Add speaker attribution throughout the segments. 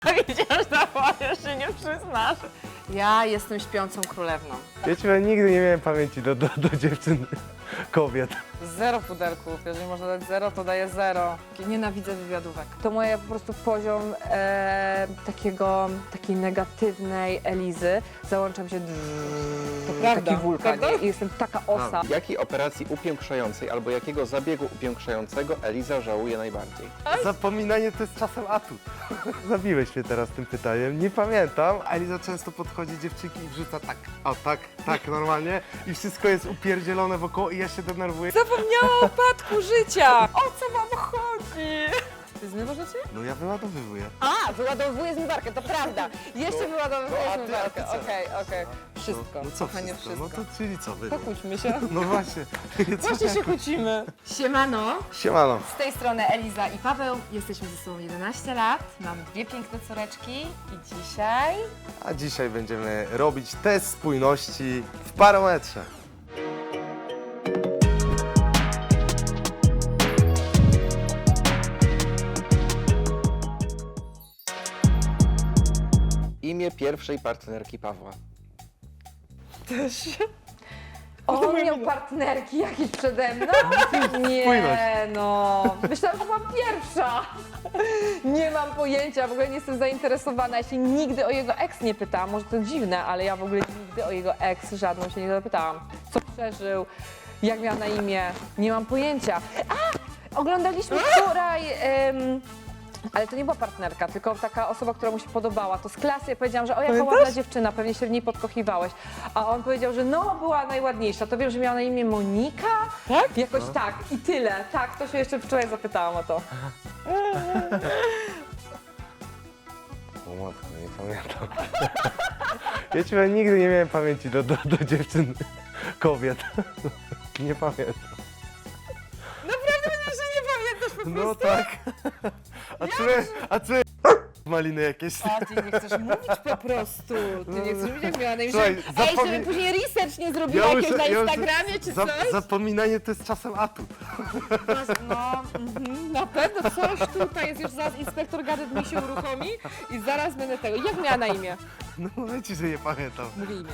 Speaker 1: Widzisz, że się nie przyznasz. Ja jestem śpiącą królewną.
Speaker 2: Ja ci powiem, nigdy nie miałem pamięci do dziewczyn, kobiet.
Speaker 1: Zero pudelków. Jeżeli można dać zero, to daję zero. Nienawidzę wywiadówek.
Speaker 3: To moje po prostu poziom takiej negatywnej Elizy. Załączam się
Speaker 1: prawda.
Speaker 3: taki wulkan
Speaker 1: Prawda?
Speaker 3: i jestem taka osa.
Speaker 4: Jakiej operacji upiększającej albo jakiego zabiegu upiększającego Eliza żałuje najbardziej?
Speaker 2: Zapominanie to jest czasem atut. Zabiłeś mnie teraz tym pytaniem, nie pamiętam. Eliza często podchodzi dziewczynki i wrzuca tak, o tak, normalnie. I wszystko jest upierdzielone wokoło i ja się denerwuję.
Speaker 1: Zapomniałam o upadku życia. O co wam chodzi? Ty zmywasz rzeczy?
Speaker 2: No ja wyładowywuję.
Speaker 1: A, wyładowuję zmywarkę, to prawda. Jeszcze wyładowuję
Speaker 2: a ty
Speaker 1: zmywarkę.
Speaker 2: co?
Speaker 1: Okej. Wszystko.
Speaker 2: No co
Speaker 1: Kochanie,
Speaker 2: wszystko? No to czyli co wy?
Speaker 1: Pokłóćmy się.
Speaker 2: No właśnie.
Speaker 1: Właśnie się kłócimy.
Speaker 3: Siemano,
Speaker 2: Siemano.
Speaker 3: z tej strony Eliza i Paweł. Jesteśmy ze sobą 11 lat, mamy dwie piękne córeczki i dzisiaj...
Speaker 2: A dzisiaj będziemy robić test spójności w parometrze.
Speaker 4: Imię pierwszej partnerki Pawła.
Speaker 3: On miał partnerki jakieś przede mną? Nie,
Speaker 2: Spójność.
Speaker 3: no. Myślałam, że byłam pierwsza. Nie mam pojęcia, w ogóle nie jestem zainteresowana. Ja się nigdy o jego ex nie pytałam. Może to dziwne, ale ja w ogóle nigdy o jego ex żadną się nie zapytałam. Co przeżył, jak miał na imię, nie mam pojęcia. Oglądaliśmy wczoraj... ale to nie była partnerka, tylko taka osoba, która mu się podobała. To z klasy ja powiedziałam, że o jaka ładna dziewczyna, pewnie się w niej podkochiwałeś. A on powiedział, że no była najładniejsza. To wiem, że miała na imię Monika?
Speaker 1: Tak?
Speaker 3: Jakoś tak i tyle. Tak, to się jeszcze wczoraj zapytałam o to.
Speaker 2: O matko, nie pamiętam. Ja ci powiem, nigdy nie miałem pamięci do dziewczyn, kobiet. Nie pamiętam.
Speaker 1: Naprawdę że nie pamiętasz po
Speaker 2: No tak. A co maliny jakieś?
Speaker 1: A ty nie chcesz mówić po prostu. Ty nie chcesz mówić, jak miała na imię.
Speaker 2: Słuchaj,
Speaker 1: Ej, żeby później research nie zrobiła jakiegoś na Instagramie czy coś?
Speaker 2: Zapominanie to jest czasem atut.
Speaker 1: No, na pewno coś tutaj jest już zaraz inspektor gadet mi się uruchomi i zaraz będę tego. Jak miała na imię?
Speaker 2: No mówię ci, że nie pamiętam.
Speaker 1: Mówię imię.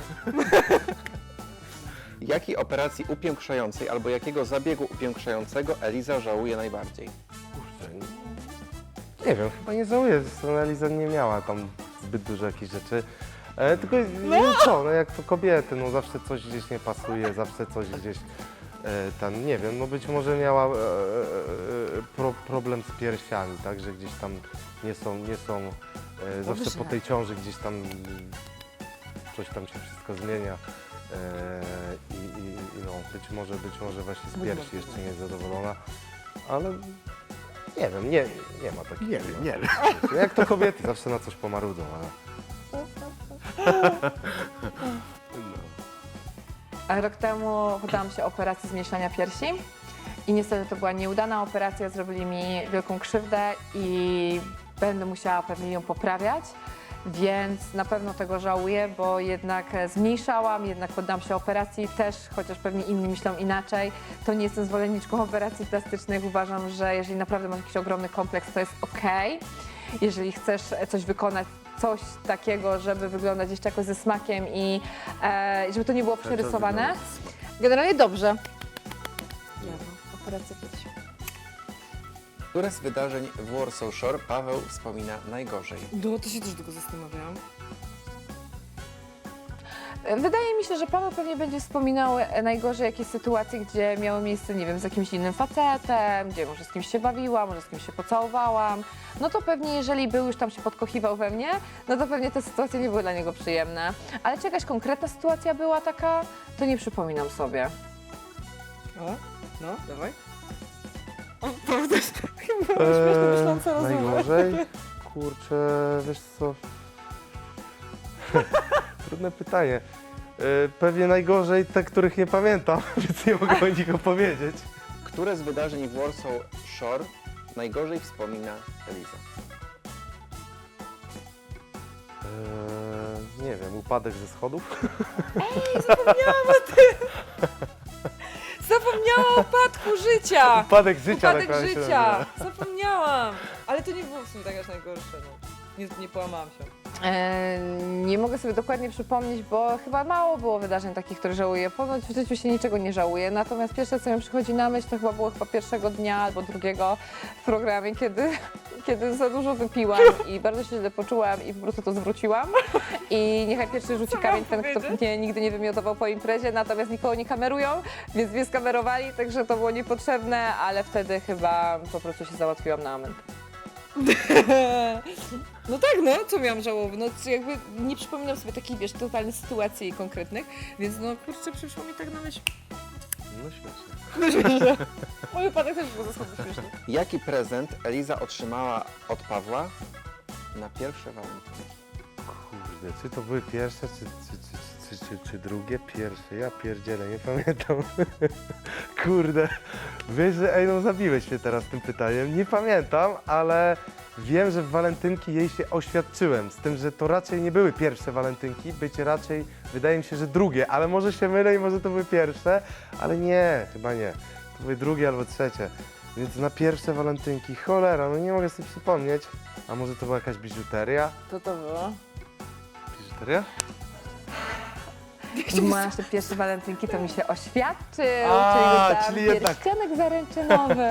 Speaker 4: Jakiej operacji upiększającej albo jakiego zabiegu upiększającego Eliza żałuje najbardziej?
Speaker 2: Kurczę, nie wiem, chyba nie żałuję. Zresztą Eliza nie miała tam zbyt dużo jakichś rzeczy. Tylko no jak to kobiety, no zawsze coś gdzieś nie pasuje, zawsze coś gdzieś tam, nie wiem, no być może miała problem z piersiami, tak, że gdzieś tam nie są zawsze po tej ciąży gdzieś tam coś tam się wszystko zmienia. I no, być może właśnie z piersi jeszcze nie jest zadowolona, ale nie wiem, nie ma takiego. Nie wiem. Jak to kobiety zawsze na coś pomarudzą, ale...
Speaker 3: A rok temu poddałam się operacji zmniejszania piersi i niestety to była nieudana operacja, zrobili mi wielką krzywdę i będę musiała pewnie ją poprawiać. Więc na pewno tego żałuję, bo jednak zmniejszałam, jednak poddam się operacji też, chociaż pewnie inni myślą inaczej. To nie jestem zwolenniczką operacji plastycznych. Uważam, że jeżeli naprawdę masz jakiś ogromny kompleks, to jest okej. Jeżeli chcesz coś wykonać, coś takiego, żeby wyglądać jeszcze jakoś ze smakiem i żeby to nie było przerysowane.
Speaker 1: Generalnie dobrze. Operacja piersi.
Speaker 4: Które z wydarzeń w Warsaw Shore Paweł wspomina najgorzej?
Speaker 1: No to się też tylko zastanawiałam.
Speaker 3: Wydaje mi się, że Paweł pewnie będzie wspominał najgorzej jakieś sytuacje, gdzie miały miejsce, nie wiem, z jakimś innym facetem, gdzie może z kimś się bawiłam, może z kimś się pocałowałam. No to pewnie, jeżeli był już tam się podkochiwał we mnie, no to pewnie te sytuacje nie były dla niego przyjemne. Ale czy jakaś konkretna sytuacja była taka, to nie przypominam sobie.
Speaker 1: O, no, dawaj. O, prawda, chyba śmiesznie myśląca rozmowa.
Speaker 2: Najgorzej? Kurczę, wiesz co? Trudne pytanie. Pewnie najgorzej te, których nie pamiętam, więc nie mogę o nich opowiedzieć.
Speaker 4: Które z wydarzeń w Warsaw Shore najgorzej wspomina Eliza?
Speaker 2: Nie wiem, upadek ze schodów?
Speaker 1: Zapomniałam o upadku życia!
Speaker 2: Upadek życia.
Speaker 1: Upadek
Speaker 2: tak się
Speaker 1: życia!
Speaker 2: nazywa.
Speaker 1: Zapomniałam! Ale to nie było w sumie tak aż najgorsze. No. nie połamałam się.
Speaker 3: Nie mogę sobie dokładnie przypomnieć, bo chyba mało było wydarzeń takich, które żałuję. Ponoć w życiu się niczego nie żałuję. Natomiast pierwsze, co mi przychodzi na myśl, to chyba było pierwszego dnia albo drugiego w programie, kiedy za dużo wypiłam i bardzo się źle poczułam i po prostu to zwróciłam. I niechaj pierwszy rzuci kamień ten, kto mnie nigdy nie wymiotował po imprezie, natomiast nikogo nie kamerują, więc mnie skamerowali, także to było niepotrzebne, ale wtedy chyba po prostu się załatwiłam na amen.
Speaker 1: No tak, no, co miałam żałować? No jakby nie przypominam sobie takich, wiesz, totalnych sytuacji konkretnych, więc no kurczę, przyszło mi tak na myśl.
Speaker 2: No śmiesznie.
Speaker 1: No śmieszne. Mój wypadek też był zasadnie śmieszny.
Speaker 4: Jaki prezent Eliza otrzymała od Pawła na pierwsze walentynki?
Speaker 2: Kurde, czy to były pierwsze, czy drugie? Pierwsze, ja pierdzielę, nie pamiętam. Kurde, wiesz, że no zabiłeś mnie teraz tym pytaniem, nie pamiętam, ale wiem, że w walentynki jej się oświadczyłem, z tym, że to raczej nie były pierwsze walentynki, być raczej, wydaje mi się, że drugie, ale może się mylę i może to były pierwsze, ale nie, chyba nie. To były drugie albo trzecie, więc na pierwsze walentynki, cholera, no nie mogę sobie przypomnieć. A może to była jakaś biżuteria?
Speaker 1: Co to było?
Speaker 2: Biżuteria?
Speaker 3: Masz te pierwsze walentynki, to mi się oświadczył,
Speaker 2: A,
Speaker 3: czyli
Speaker 2: czyli
Speaker 3: tam
Speaker 2: jednak.
Speaker 3: pierścionek zaręczynowy.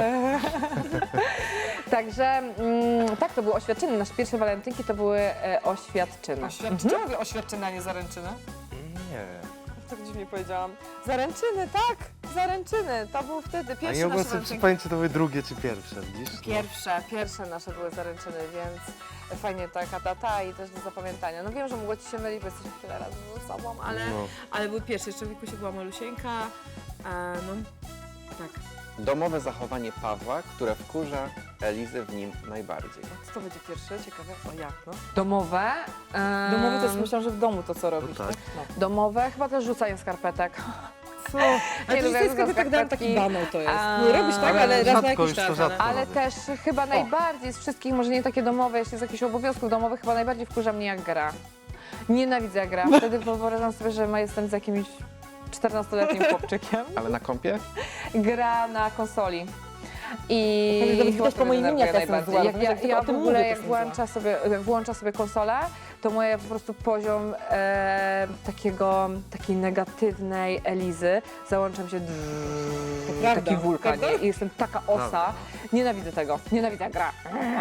Speaker 3: Także tak, to były oświadczyny. Nasze pierwsze walentynki to były oświadczyny.
Speaker 1: Ciągle oświadczyna, nie zaręczyna?
Speaker 2: Nie.
Speaker 1: Tak dziwnie powiedziałam. Zaręczyny, tak! Zaręczyny, to był wtedy
Speaker 2: A
Speaker 1: pierwszy
Speaker 2: nie mogłem
Speaker 1: nasze
Speaker 2: sobie
Speaker 1: walentynki.
Speaker 2: przypomnieć, czy to były drugie, czy pierwsze, widzisz? No.
Speaker 3: Pierwsze nasze były zaręczyny, więc fajnie taka data i też do zapamiętania. No wiem, że mogło ci się mylić, bo jesteśmy tyle razy ze sobą,
Speaker 2: No.
Speaker 1: ale był pierwszy, jeszcze w wieku się była malusieńka, no tak.
Speaker 4: Domowe zachowanie Pawła, które wkurza Elizę w nim najbardziej.
Speaker 1: Co to będzie pierwsze? Ciekawe. O jak, no?
Speaker 3: domowe.
Speaker 1: Domowy to jest, myślałam, że w domu to co robisz,
Speaker 2: No tak.
Speaker 1: tak? No.
Speaker 3: Domowe, chyba też rzucanie skarpetek.
Speaker 1: Co?
Speaker 3: Nie
Speaker 1: Ale to
Speaker 3: lubię
Speaker 1: jest tak dałem
Speaker 3: skarpetki.
Speaker 1: taki banał to jest.
Speaker 3: A,
Speaker 1: No robisz tak,
Speaker 3: ale
Speaker 1: ale raz na
Speaker 2: rzadko
Speaker 1: jakiś
Speaker 2: już to
Speaker 1: czas.
Speaker 2: rzadko.
Speaker 3: Ale
Speaker 2: robię.
Speaker 3: też chyba najbardziej z wszystkich, może nie takie domowe, jeśli z jakichś obowiązków domowych, chyba najbardziej wkurza mnie jak gra. Nienawidzę jak gra. Wtedy wyobrażam sobie, że jestem z jakimś 14-letnim chłopczykiem.
Speaker 4: Ale na kąpie?
Speaker 3: Gra na konsoli.
Speaker 1: Ale
Speaker 3: I
Speaker 1: nawet
Speaker 3: chyba
Speaker 1: widać po
Speaker 3: to mnie
Speaker 1: moim imieniu,
Speaker 3: denerwuje
Speaker 1: jaka jestem
Speaker 3: najbardziej.
Speaker 1: zła.
Speaker 3: Jak
Speaker 1: Tylko
Speaker 3: ja
Speaker 1: o
Speaker 3: w
Speaker 1: tym
Speaker 3: ogóle
Speaker 1: mówię,
Speaker 3: jak
Speaker 1: że jestem
Speaker 3: włączam sobie konsolę, to moje po prostu poziom takiej negatywnej Elizy załącza mi się
Speaker 1: prawda,
Speaker 3: taki wulkan,
Speaker 1: prawda?
Speaker 3: nie? I jestem taka osa.
Speaker 2: Prawda.
Speaker 3: Nienawidzę tego. Nienawidzę jak gra.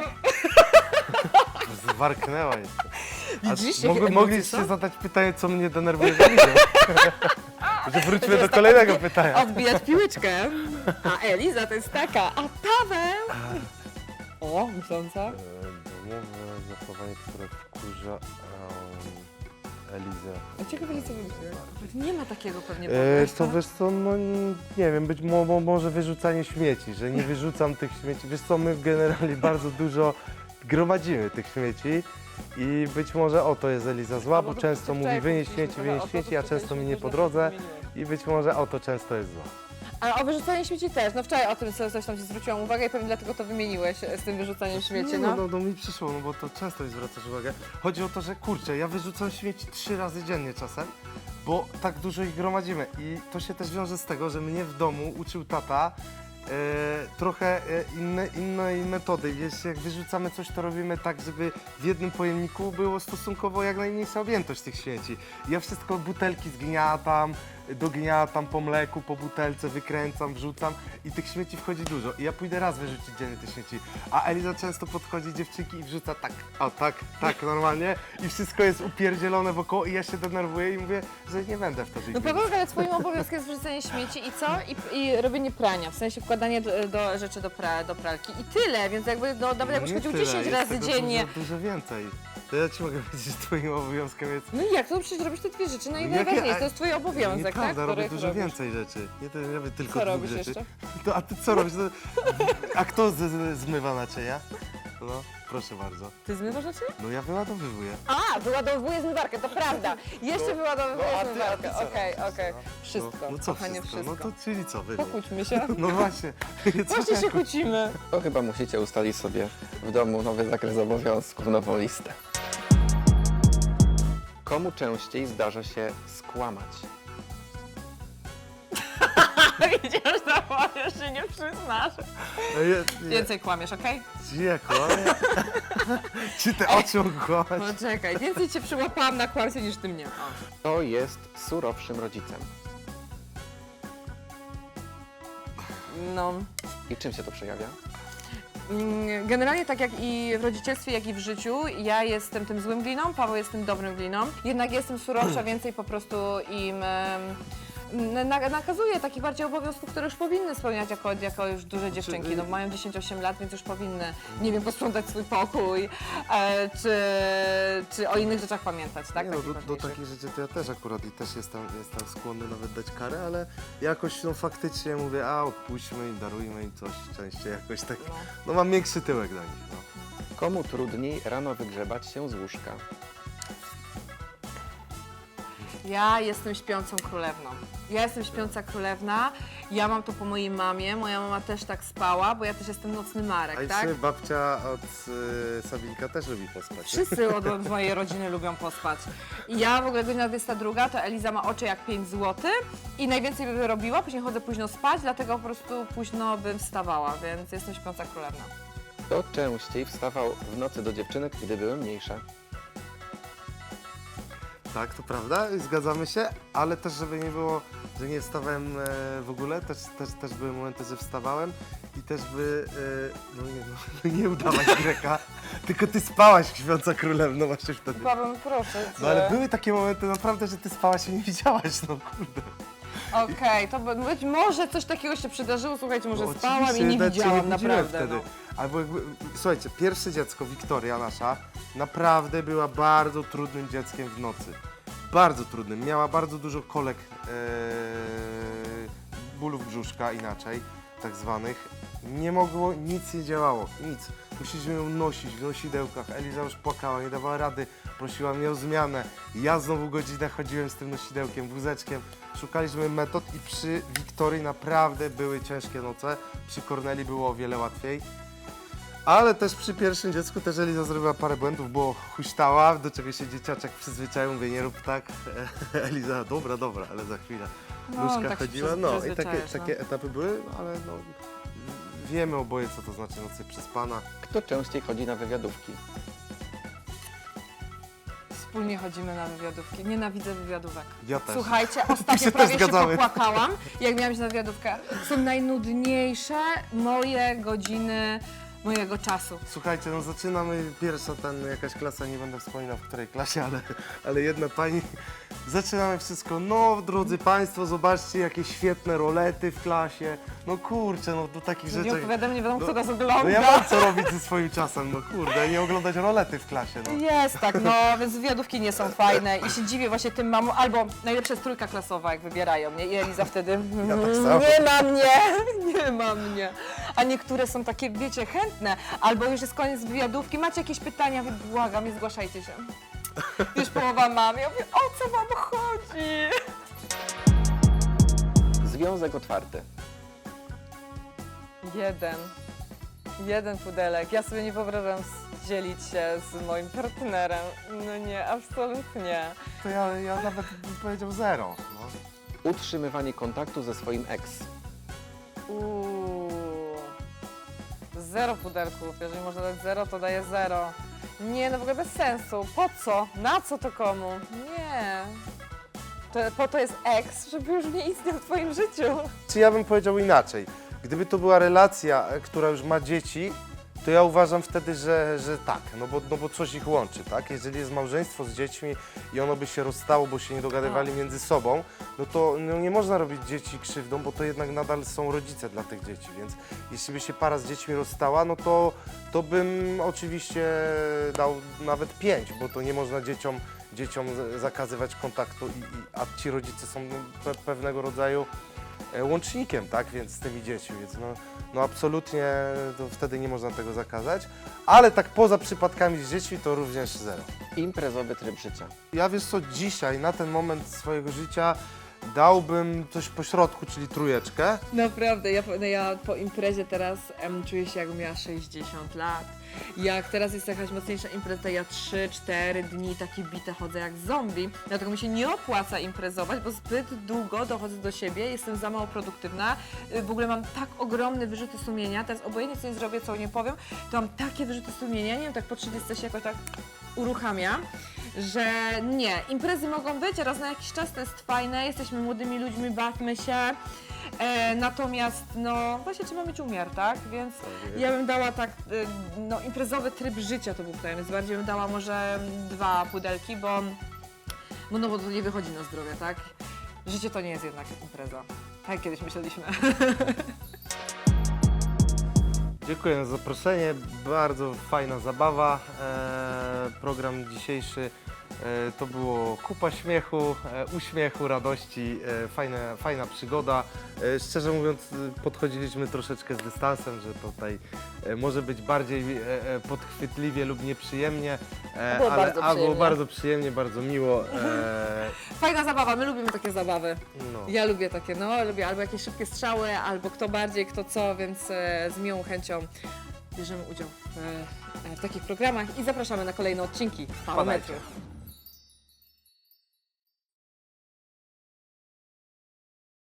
Speaker 2: Zwarknęła jeszcze.
Speaker 1: Widzisz, jakie emocje
Speaker 2: Mogliście
Speaker 1: są?
Speaker 2: zadać pytanie, co mnie denerwuje w Elizie. Że wróćmy do kolejnego pytania.
Speaker 1: Odbijać piłeczkę. A Eliza to jest taka, a Paweł? O, myśląca.
Speaker 2: Domowe zachowanie, które wkurza Elizę.
Speaker 1: A ciekawe, co wymyśliłeś. Nie ma takiego pewnie.
Speaker 2: To wiesz co, no nie wiem, być może wyrzucanie śmieci, że nie wyrzucam tych śmieci. Wiesz co, my generalnie bardzo dużo gromadzimy tych śmieci i być może o to jest Eliza zła, bo często mówi wynieś śmieci, a często mi nie po drodze i być może o to często jest zła.
Speaker 1: A o wyrzucanie śmieci też. No wczoraj o tym coś tam ci zwróciłam uwagę i pewnie dlatego to wymieniłeś z tym wyrzucaniem śmieci,
Speaker 2: Nie,
Speaker 1: no.
Speaker 2: no mi przyszło, no bo to często mi zwracasz uwagę. Chodzi o to, że kurczę, ja wyrzucam śmieci 3 razy dziennie czasem, bo tak dużo ich gromadzimy i to się też wiąże z tego, że mnie w domu uczył tata trochę innej metody. Wiesz, jak wyrzucamy coś, to robimy tak, żeby w jednym pojemniku było stosunkowo jak najmniejsza objętość tych śmieci. Ja wszystko butelki zgniatam, dogniatam po mleku, po butelce, wykręcam, wrzucam i tych śmieci wchodzi dużo. I ja pójdę raz wyrzucić dziennie te śmieci, a Eliza często podchodzi, dziewczynki, i wrzuca tak, o tak, normalnie i wszystko jest upierdzielone wokoło i ja się denerwuję i mówię, że nie będę wtedy
Speaker 1: No
Speaker 2: ich
Speaker 1: Paweł, ale twoim obowiązkiem jest wyrzucanie śmieci i co? I robienie prania, w sensie wkładanie do rzeczy do pralki i tyle, więc jakby nawet jakbyś chodził 10 razy dziennie.
Speaker 2: Dużo więcej. To ja ci mogę powiedzieć, że twoim obowiązkiem jest...
Speaker 1: No i jak? To przecież robisz te dwie rzeczy, no i
Speaker 2: Jakie-
Speaker 1: najważniejsze, to jest twój obowiązek, tak?
Speaker 2: Nieprawda, robię
Speaker 1: Których
Speaker 2: dużo
Speaker 1: robisz.
Speaker 2: więcej rzeczy. Nie, to nie robię tylko
Speaker 1: Co
Speaker 2: dwóch
Speaker 1: robisz
Speaker 2: rzeczy.
Speaker 1: jeszcze?
Speaker 2: To, a ty co robisz? A kto zmywa naczynia? No, proszę bardzo.
Speaker 1: Ty zmywasz rzeczy?
Speaker 2: No ja wyładowywuję.
Speaker 1: A, wyładowuję zmywarkę, to prawda. Jeszcze wyładowuję
Speaker 2: a ty
Speaker 1: zmywarkę.
Speaker 2: co
Speaker 1: Okej.
Speaker 2: robisz?
Speaker 1: Wszystko,
Speaker 2: No co
Speaker 1: kochanie,
Speaker 2: wszystko? No to czyli co wy?
Speaker 1: Pokłóćmy się.
Speaker 2: No właśnie.
Speaker 1: Właśnie się kłócimy.
Speaker 4: To chyba musicie ustalić sobie w domu nowy zakres obowiązków, nową listę. Komu częściej zdarza się skłamać?
Speaker 1: Widzisz, to powiesz, że nie przyznasz. Więcej kłamiesz, okej?
Speaker 2: Nie kłamie. Czy te oczy mogą kłamać?
Speaker 1: Poczekaj, więcej cię przyłapałam na kłamstwie niż ty mnie. O.
Speaker 4: Kto jest surowszym rodzicem?
Speaker 1: No.
Speaker 4: I czym się to przejawia?
Speaker 1: Generalnie tak jak i w rodzicielstwie, jak i w życiu, ja jestem tym złym gliną, Paweł jest tym dobrym gliną. Jednak jestem surowsza, więcej po prostu im nakazuję takich bardziej obowiązków, które już powinny spełniać jako już duże dziewczynki. No, mają 10-8 lat, więc już powinny, nie wiem, posprzątać swój pokój, czy o innych rzeczach pamiętać, tak?
Speaker 2: Nie, no,
Speaker 1: Takich
Speaker 2: do
Speaker 1: ważniejszych.
Speaker 2: takich rzeczy to ja też akurat i też jestem skłonny nawet dać karę, ale jakoś no faktycznie mówię, odpuśćmy im, darujmy im coś częściej jakoś tak. No mam większy tyłek do nich. No.
Speaker 4: Komu trudniej rano wygrzebać się z łóżka?
Speaker 1: Ja jestem śpiącą królewną. Ja jestem śpiąca królewna, ja mam to po mojej mamie, moja mama też tak spała, bo ja też jestem nocny Marek,
Speaker 2: A i
Speaker 1: tak?
Speaker 2: czy babcia od Sabinka też lubi pospać?
Speaker 1: Wszyscy od mojej rodziny lubią pospać. I ja w ogóle godzina 22, to Eliza ma oczy jak 5 zł i najwięcej by robiła, później chodzę późno spać, dlatego po prostu późno bym wstawała, więc jestem śpiąca królewna.
Speaker 4: Kto częściej wstawał w nocy do dziewczynek, gdy były mniejsze?
Speaker 2: Tak, to prawda, zgadzamy się, ale też żeby nie było, że nie wstawałem w ogóle, też były momenty, że wstawałem i też nie udawaj Greka, tylko ty spałaś śpiąca królewno właśnie wtedy.
Speaker 1: Paweł, proszę cię.
Speaker 2: No ale były takie momenty naprawdę, że ty spałaś i nie widziałaś, no kurde.
Speaker 1: Okej, to być może coś takiego się przydarzyło, słuchajcie, może
Speaker 2: No,
Speaker 1: spałam i
Speaker 2: oczywiście,
Speaker 1: nie
Speaker 2: nawet cię
Speaker 1: widziałam,
Speaker 2: budziłem
Speaker 1: naprawdę.
Speaker 2: wtedy.
Speaker 1: No.
Speaker 2: Albo słuchajcie, pierwsze dziecko, Wiktoria nasza, naprawdę była bardzo trudnym dzieckiem w nocy. Bardzo trudnym. Miała bardzo dużo kolek, bólów brzuszka inaczej, tak zwanych. Nie mogło, nic nie działało, nic. Musieliśmy ją nosić w nosidełkach. Eliza już płakała, nie dawała rady, prosiła mnie o zmianę. Ja znowu godzinę chodziłem z tym nosidełkiem, wózeczkiem. Szukaliśmy metod i przy Wiktorii naprawdę były ciężkie noce. Przy Korneli było o wiele łatwiej. Ale też przy pierwszym dziecku też Eliza zrobiła parę błędów, bo huśtała, do czego się dzieciaczek przyzwyczaił, mówię, nie rób tak. Eliza, dobra, ale za chwilę.
Speaker 1: No,
Speaker 2: Nóżka
Speaker 1: tak się
Speaker 2: chodziła, no i
Speaker 1: przyzwyczajasz,
Speaker 2: takie etapy były, ale no wiemy oboje, co to znaczy nocy przespana.
Speaker 4: Kto częściej chodzi na wywiadówki?
Speaker 1: Wspólnie chodzimy na wywiadówki. Nienawidzę wywiadówek.
Speaker 2: Ja też.
Speaker 1: Słuchajcie,
Speaker 2: się
Speaker 1: ostatnio
Speaker 2: też
Speaker 1: prawie się
Speaker 2: zgadzamy.
Speaker 1: popłakałam, jak miałam iść na wywiadówkę. Są najnudniejsze moje godziny mojego czasu.
Speaker 2: Słuchajcie, no zaczynamy pierwsza jakaś klasa, nie będę wspominał w której klasie, ale jedna pani, zaczynamy wszystko, no drodzy Państwo, zobaczcie jakie świetne rolety w klasie, no kurczę, no do takich
Speaker 1: Nie
Speaker 2: rzeczy.
Speaker 1: opowiadam, nie wiadomo, kto nas
Speaker 2: No
Speaker 1: ogląda.
Speaker 2: ja mam co robić ze swoim czasem, no kurde, nie oglądać rolety w klasie, no.
Speaker 1: Jest tak, no więc wywiadówki nie są fajne i się dziwię właśnie tym mamom, albo najlepsza jest trójka klasowa, jak wybierają mnie i Eliza wtedy
Speaker 2: Ja tak samo.
Speaker 1: nie ma mnie. A niektóre są takie, wiecie, chętne, albo już jest koniec wywiadówki, macie jakieś pytania, wy błagam, nie zgłaszajcie się. Już połowa mam, ja mówię, o co wam chodzi?
Speaker 4: Związek otwarty.
Speaker 1: Jeden pudelek. Ja sobie nie wyobrażam dzielić się z moim partnerem. No nie, absolutnie.
Speaker 2: To ja nawet bym powiedział zero, no.
Speaker 4: Utrzymywanie kontaktu ze swoim ex.
Speaker 1: Zero pudelków. Jeżeli można dać zero, to daję zero. Nie, no w ogóle bez sensu. Po co? Na co to komu? Nie. Po to jest ex, żeby już nie istniał w twoim życiu.
Speaker 2: Czy ja bym powiedział inaczej? Gdyby to była relacja, która już ma dzieci, to ja uważam wtedy, że tak, no bo coś ich łączy, tak? Jeżeli jest małżeństwo z dziećmi i ono by się rozstało, bo się nie dogadywali między sobą, no to nie można robić dzieci krzywdą, bo to jednak nadal są rodzice dla tych dzieci, więc jeśli by się para z dziećmi rozstała, no to bym oczywiście dał nawet 5, bo to nie można dzieciom zakazywać kontaktu, a ci rodzice są pewnego rodzaju łącznikiem, tak, więc z tymi dziećmi, więc no absolutnie to wtedy nie można tego zakazać, ale tak poza przypadkami z dziećmi to również zero.
Speaker 4: Imprezowy tryb życia.
Speaker 2: Ja wiesz co, dzisiaj, na ten moment swojego życia Dałbym coś po środku, czyli trójeczkę.
Speaker 1: Naprawdę, ja po imprezie teraz czuję się jakbym miała 60 lat. Jak teraz jest jakaś mocniejsza impreza, to ja 3-4 dni takie bite chodzę jak zombie. Dlatego mi się nie opłaca imprezować, bo zbyt długo dochodzę do siebie, jestem za mało produktywna. W ogóle mam tak ogromne wyrzuty sumienia, teraz obojętnie co nie zrobię, co nie powiem, to mam takie wyrzuty sumienia, nie wiem, tak po 30 się jakoś tak uruchamia, że nie, imprezy mogą być, raz na jakiś czas to jest fajne, jesteśmy młodymi ludźmi, bawmy się. Natomiast no właśnie trzeba mieć umiar, tak? Więc ja bym dała tak, no imprezowy tryb życia to był tutaj, więc bardziej bym dała może 2 pudelki, bo to nie wychodzi na zdrowie, tak? Życie to nie jest jednak impreza, tak jak kiedyś myśleliśmy.
Speaker 2: Dziękuję za zaproszenie, bardzo fajna zabawa. Program dzisiejszy to było kupa śmiechu, uśmiechu, radości, fajna przygoda. Szczerze mówiąc, podchodziliśmy troszeczkę z dystansem, że tutaj może być bardziej podchwytliwie lub nieprzyjemnie,
Speaker 1: Było bardzo
Speaker 2: było
Speaker 1: przyjemnie.
Speaker 2: bardzo przyjemnie, bardzo miło.
Speaker 1: Fajna zabawa, my lubimy takie zabawy.
Speaker 2: No.
Speaker 1: Ja lubię takie, lubię albo jakieś szybkie strzały, albo kto bardziej, kto co, więc z miłą chęcią bierzemy udział w takich programach i zapraszamy na kolejne odcinki Parametru.